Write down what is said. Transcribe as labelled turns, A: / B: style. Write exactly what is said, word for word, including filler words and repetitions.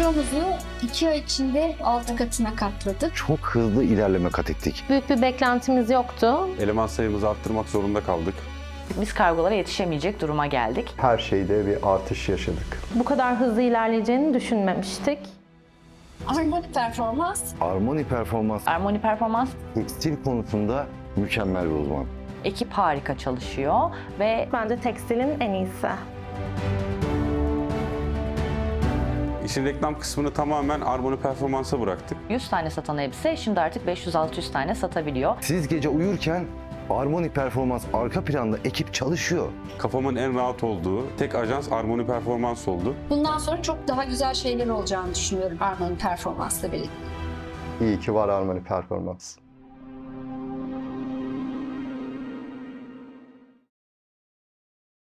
A: Ciro'muzu iki ay içinde altı katına katladık.
B: Çok hızlı ilerleme kat ettik.
C: Büyük bir beklentimiz yoktu.
D: Eleman sayımızı arttırmak zorunda kaldık.
E: Biz kargolara yetişemeyecek duruma geldik.
F: Her şeyde bir artış yaşadık.
C: Bu kadar hızlı ilerleyeceğini düşünmemiştik.
A: Harmoni Performans.
B: Harmoni Performans
E: Harmoni Performans
B: tekstil konusunda mükemmel bir uzman.
E: ekip harika çalışıyor ve
C: Bence tekstilin en iyisi.
D: İşin reklam kısmını tamamen Harmoni Performans'a bıraktık.
E: yüz tane satan elbise şimdi artık beş yüz altı yüz tane satabiliyor.
B: Siz gece uyurken Harmoni Performans arka planda ekip çalışıyor.
D: Kafamın en rahat olduğu tek ajans Harmoni Performans oldu.
A: Bundan sonra çok daha güzel şeyler olacağını düşünüyorum Harmoni Performans'la birlikte.
F: İyi ki var Harmoni Performans.